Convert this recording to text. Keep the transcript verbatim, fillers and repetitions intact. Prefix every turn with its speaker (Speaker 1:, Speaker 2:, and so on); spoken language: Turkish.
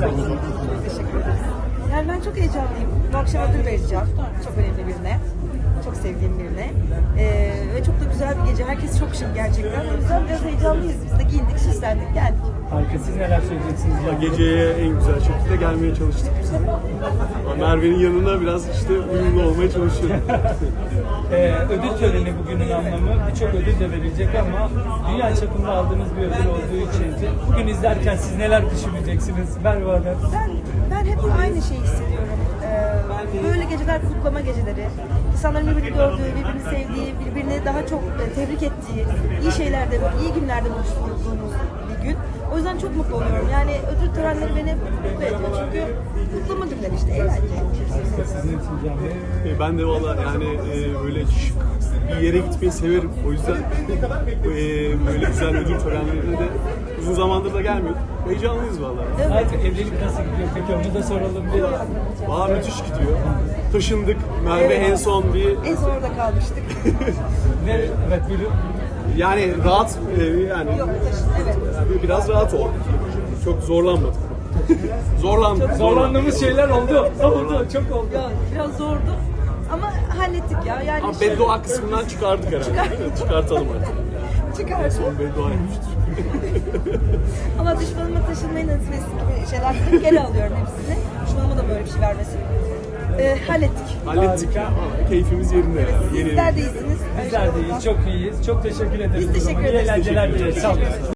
Speaker 1: istersiniz?
Speaker 2: Teşekkür ederim. Yani ben çok heyecanlıyım. Bu akşam ödül vereceğim. Çok önemli birine. Çok sevdiğim birine. Ee, ve çok da güzel bir gece. Herkes çok şık gerçekten. O yüzden biraz heyecanlıyız. Biz de giyindik, süslendik, geldik.
Speaker 1: Harika. Siz neler söyleyeceksiniz?
Speaker 3: Valla geceye en güzel şekilde gelmeye çalıştık biz. Ama Merve'nin yanına biraz işte uyumlu olmaya çalışıyorum.
Speaker 1: Ee, ödül töreni bugünün anlamı. Birçok ödül de verilecek ama dünya çapında aldığınız bir ödül olduğu için bugün izlerken siz neler düşüneceksiniz Merve Hanım?
Speaker 2: Ben, ben hep aynı şeyi hissediyorum. Ee, böyle geceler kutlama geceleri. İnsanların birbirini gördüğü, birbirini sevdiği, birbirini daha çok e, tebrik ettiği, iyi şeylerde, iyi günlerde buluştuğumuz bir gün. O yüzden çok mutlu oluyorum. Yani ödül törenleri beni mutlu ediyor. Çünkü kutlama günleri işte, eğlence.
Speaker 1: Sizin için Can Bey.
Speaker 3: E, ben de valla yani e, böyle şık bir yere gitmeyi severim. O yüzden e, böyle güzel ödül törenlerine de uzun zamandır da gelmiyor. Heyecanlıyız valla.
Speaker 1: Artık evlilik nasıl gidiyor peki onu da soralım bir.
Speaker 3: Valla müthiş gidiyor. Taşındık. Merve
Speaker 2: Evet.
Speaker 3: en son bir
Speaker 2: En son orada kalmıştık.
Speaker 1: Ne? Evet buyurun.
Speaker 3: yani rahat e, yani
Speaker 2: Yok, taşın, evet.
Speaker 3: biraz rahat oldu. Çok zorlanmadık. Zorlandık.
Speaker 1: Zorlandığımız şeyler oldu. Oldu. Çok oldu.
Speaker 2: Ya, biraz zordu. Ama hallettik ya. Yani
Speaker 3: Ama
Speaker 2: şöyle-
Speaker 3: beddua kısmından çıkardık herhalde. değil mi? Çıkartalım artık.
Speaker 2: Çıkardı.
Speaker 3: Son beddua etmiştir.
Speaker 2: Ama düşmanıma taşınmayı nasip etsin gibi şeyler dedim. Geri alıyorum hepsini. Düşmanıma da böyle bir şey vermesin. Ee, hallettik.
Speaker 3: Hallettik ya. Ama keyfimiz yerinde. yani. Yeni
Speaker 2: Sizler de iyisiniz.
Speaker 1: Bizler de iyiyiz. Çok iyiyiz. Çok teşekkür ederiz.
Speaker 2: Biz teşekkür
Speaker 1: İyi
Speaker 2: ederiz.
Speaker 1: eğlenceler dileriz. Sağ olun.